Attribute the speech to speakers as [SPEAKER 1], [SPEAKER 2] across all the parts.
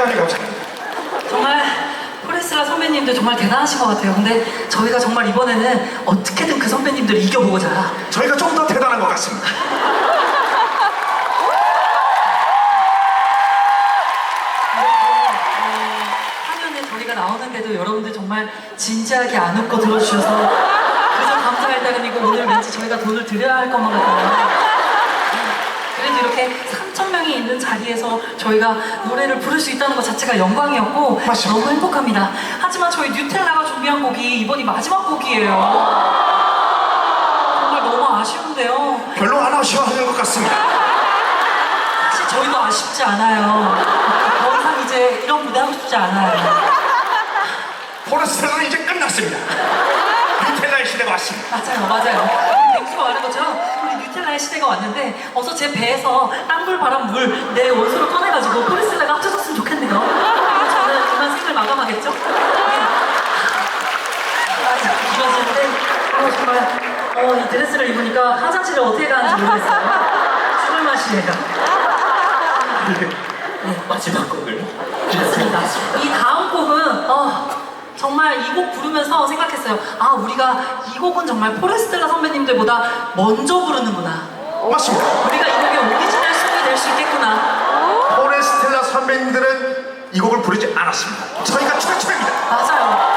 [SPEAKER 1] 대단히 감사합니다.
[SPEAKER 2] 정말 포레스라 선배님들 정말 대단하신 것 같아요. 근데 저희가 정말 이번에는 어떻게든 그 선배님들을 이겨보고자.
[SPEAKER 1] 저희가 좀 더 대단한 것 같습니다.
[SPEAKER 2] 화면에 저희가 나오는데도 여러분들 정말 진지하게 안 웃고 들어주셔서 그저 감사할 따름이고 오늘 왠지 저희가 돈을 드려야 할 것만 같아요. 그래도 이렇게 3,000명이 있는 자리에서 저희가 노래를 부를 수 있다는 것 자체가 영광이었고
[SPEAKER 1] 맞습니다.
[SPEAKER 2] 너무 행복합니다. 하지만 저희 뉴텔라가 준비한 곡이 이번이 마지막 곡이에요. 정말 너무 아쉬운데요.
[SPEAKER 1] 별로 안 아쉬워하는 것 같습니다.
[SPEAKER 2] 사실 저희도 아쉽지 않아요. 더 이상 이제 이런 무대 하고 싶지 않아요.
[SPEAKER 1] 포레스텔라는 이제 끝났습니다. 뉴텔라의 시대가 왔습니다.
[SPEAKER 2] 맞아요. 뱅수가 말한 것처럼 우리 뉴텔라의 시대가 왔는데 어서 제 배에서 땅물, 바람, 물 내 원소를 꺼내가지고 포레스텔라가 합쳐졌으면 좋겠네요. 그리고 저는 그만 생을 마감하겠죠? 네. 이러시는데 정말 이 드레스를 입으니까 화장실을 어떻게 가는지 모르겠어요. 죽을 맛이에요. 네.
[SPEAKER 3] 마지막 곡을
[SPEAKER 2] 그렇습니다. 이 다음 곡은 정말 이 곡 부르면서 생각했어요. 아, 우리가 이 곡은 정말 포레스텔라 선배님들보다 먼저 부르는구나.
[SPEAKER 1] 맞습니다.
[SPEAKER 2] 우리가 이 곡의 오리지널 송이 될 수 있겠구나.
[SPEAKER 1] 포레스텔라 선배님들은 이 곡을 부르지 않았습니다. 저희가 최초입니다.
[SPEAKER 2] 맞아요.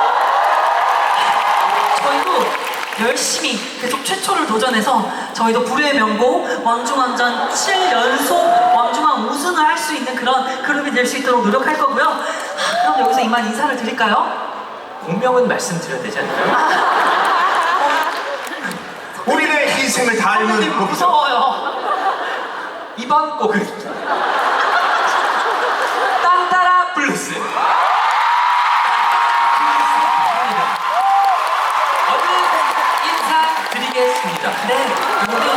[SPEAKER 2] 저희도 열심히 계속 최초를 도전해서 저희도 불후의 명곡 왕중왕전 7연속 왕중왕 우승을 할 수 있는 그런 그룹이 될 수 있도록 노력할 거고요. 그럼 여기서 이만 인사를 드릴까요?
[SPEAKER 3] 공명은 말씀드려야 되지 않나요?
[SPEAKER 1] 우리의 희생을 닮은
[SPEAKER 2] 선배님
[SPEAKER 1] 곡이죠.
[SPEAKER 2] 무서워요.
[SPEAKER 3] 이번 곡은 딴따라 블루스. 어느 인사드리겠습니다.
[SPEAKER 2] 네, 모두